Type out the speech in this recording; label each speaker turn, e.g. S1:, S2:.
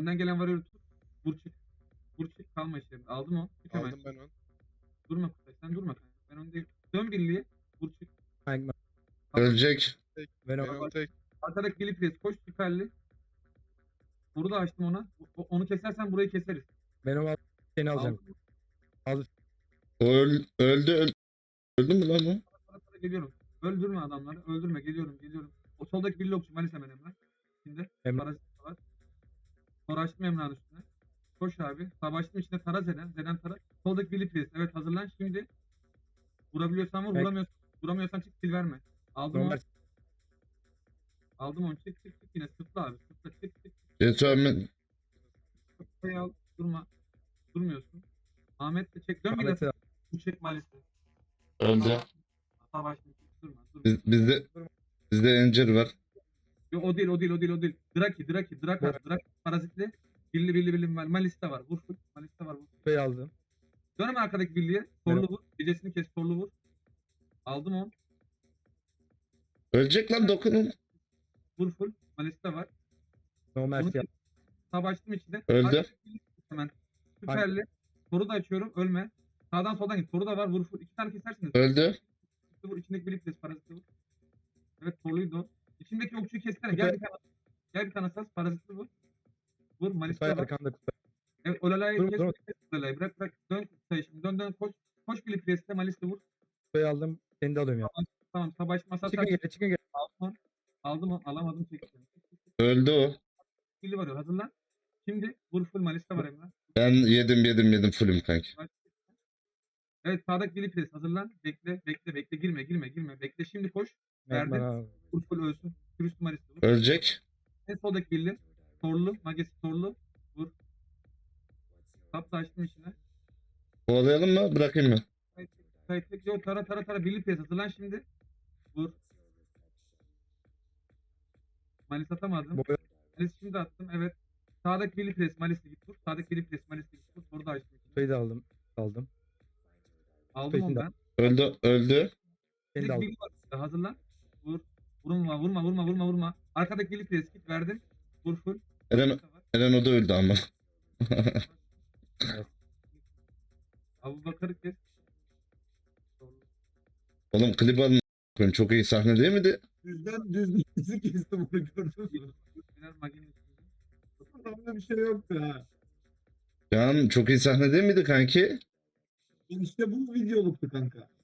S1: Önden gelen varıyor tut. Vur çık. Vur çık. Kalma işlerinde. Aldım o. Çık hemen.
S2: Aldım ben onu.
S1: Durma Kutay. Sen durma kanka. Ben öndeyim. Dön birliğe. Vur çık.
S3: Kanka
S4: Ölecek.
S2: Tek.
S3: Venom
S2: Venom tek.
S1: Arkadaki Billy Press. Koş süperli. Vuru da açtım ona. Onu kesersen burayı keseriz.
S3: Venom al, seni alacağım.
S1: Aldım.
S4: O öldü. Öldü mü lan bu?
S1: Para geliyorum. Öldürme adamları. Öldürme. Geliyorum. O soldaki Billy okçu. Malis hemen Emrah. Şimdi.
S3: Emrah.
S1: Parazit var. Sonra açtım Emrah'ın üstüne. Koş abi. Savaştım içinde tara Zeden. Zeden tara. Soldaki Billy Press. Evet hazırlan. Şimdi. Vurabiliyorsan vur.
S3: Evet.
S1: Vuramıyorsan çık sil verme. Aldım
S3: Normal.
S1: onu. Aldım onu. Çık yine. Sıkla abi. Sıkla çık.
S4: Cesaret.
S1: Kafayı al. Durma. Durmuyorsun. Ahmet de çek. Dön bir
S3: Ahmet'i
S1: de. Bu çek maalesef.
S4: Öldü.
S1: Savaştım. Durma.
S4: Bizde Encir var.
S1: Yo, o değil. Draki. Parazitli. Billi. Malista var. Vur full. Malista var. Vur.
S3: Kupayı aldım.
S1: Dönme arkadaki birliğe. Torlu vur. Gecesini kes. Torlu vur. Aldım onu.
S4: Ölecek lan dokunun.
S1: Vur full. Malista var.
S3: Normal
S1: Onu
S3: siyah.
S1: savaştım içinde.
S4: Öldü.
S1: Arkadaki birliği hemen. Süperli. Toru da açıyorum. Ölme. Sağdan soldan git. Toru da var. Vur full. 2 tane kesersiniz.
S4: Öldü.
S1: Vur. İçindeki birlik kes. Parazitli vur. Evet torluydu o. İçindeki okçuyu kessene.
S3: Kupayı-
S1: Gel bir tane sas. Parazitli vur. Vur. Malista
S3: Kupayı
S1: var.
S3: arkanda kupayı.
S1: Evet Olalay'ı
S3: Dur,
S1: kes.
S3: dur.
S1: Olalay'ı bırak. Dön Kutay şimdi. Dön koş. Koş Billy Press'te Malis'te vur.
S3: Kupayı aldım. Seni de alıyorum ya.
S1: Tamam savaş masası
S3: Çıkın geri.
S1: aldım onu. Alamadım çektim.
S4: Öldü o.
S1: Billy var ya hazırlan. Şimdi vur full Malis'te var Emrah.
S4: Ben yedim fullüm kanki.
S1: Evet sağdaki Billy Press hazırlan. Bekle. Girme. Bekle şimdi koş. Verdim.
S3: Bana
S1: Vur full ölsün. Kürüstü Malis'te vur.
S4: Ölecek.
S1: En soldaki Billy. Torlu. Magesi torlu. Vur. Tapla açtım içine.
S4: Kovalayalım mı? Bırakayım mı?
S1: Yo tara Billy Press hazırlan şimdi. Vur. Malis atamadım.
S3: boya
S1: Malis şimdi attım. Evet. Sağdaki Billy Press Malis'le git vur. Sağdaki Billy Press Malis'le git vur. Burada açtım.
S3: kupayı da aldım. Aldım.
S1: Aldım onu
S3: Kupayı
S1: ben.
S4: Öldü.
S3: Seni de
S1: Direkt
S3: aldım.
S1: Billy var. Hazırlan. Vur. Vurma. Arkadaki Billy Press git verdim. Vur full.
S4: Eren o da öldü ama.
S1: Abu Bakar'ı kes.
S4: Oğlum klip alın. Çok iyi sahne değil miydi?
S2: Düzden bizi kestim onu gördün mü?
S1: Biraz maginin üstünde.
S2: Adamda bir şey yoktu ha.
S4: Can çok iyi sahne değil miydi kanki?
S2: İşte bu videoluktu kanka.